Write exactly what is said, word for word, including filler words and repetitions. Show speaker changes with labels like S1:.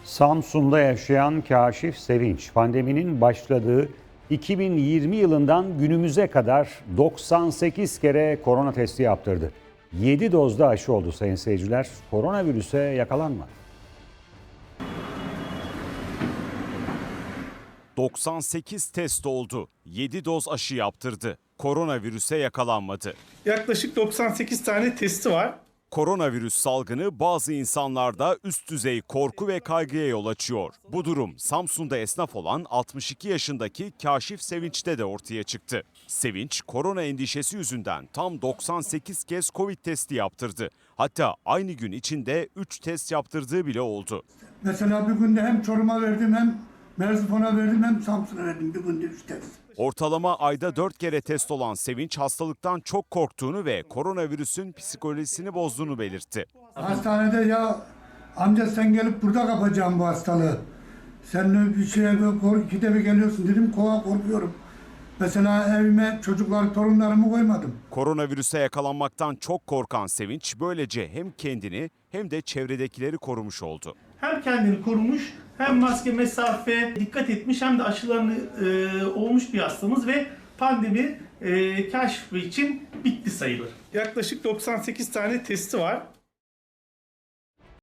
S1: Samsun'da yaşayan Kaşif Sevinç, pandeminin başladığı iki bin yirmi yılından günümüze kadar doksan sekiz kere korona testi yaptırdı. yedi dozda aşı oldu sayın seyirciler. Koronavirüse yakalanmadı.
S2: doksan sekiz test oldu. yedi doz aşı yaptırdı. Koronavirüse yakalanmadı.
S3: Yaklaşık doksan sekiz tane testi var.
S2: Koronavirüs salgını bazı insanlarda üst düzey korku ve kaygıya yol açıyor. Bu durum Samsun'da esnaf olan altmış iki yaşındaki Kaşif Sevinç'te de ortaya çıktı. Sevinç, korona endişesi yüzünden tam doksan sekiz kez Covid testi yaptırdı. Hatta aynı gün içinde üç test yaptırdığı bile oldu.
S4: Mesela bir günde hem Çorum'a verdim hem Merzifon'a verdim hem Samsun'a verdim bir günde üç test.
S2: Ortalama ayda dört kere test olan Sevinç hastalıktan çok korktuğunu ve koronavirüsün psikolojisini bozduğunu belirtti.
S4: Hastanede ya amca sen gelip burada kapacaksın bu hastalığı. Sen bir şeye ikide bir geliyorsun dedim, kova korkuyorum. Mesela evime çocuklar, torunlarımı koymadım.
S2: Koronavirüse yakalanmaktan çok korkan Sevinç böylece hem kendini hem de çevredekileri korumuş oldu.
S3: Hem kendini korumuş, hem maske, mesafe dikkat etmiş, hem de aşılarını e, olmuş bir hastamız ve pandemi e, Kaşif Bey için bitti sayılır. Yaklaşık doksan sekiz tane testi var.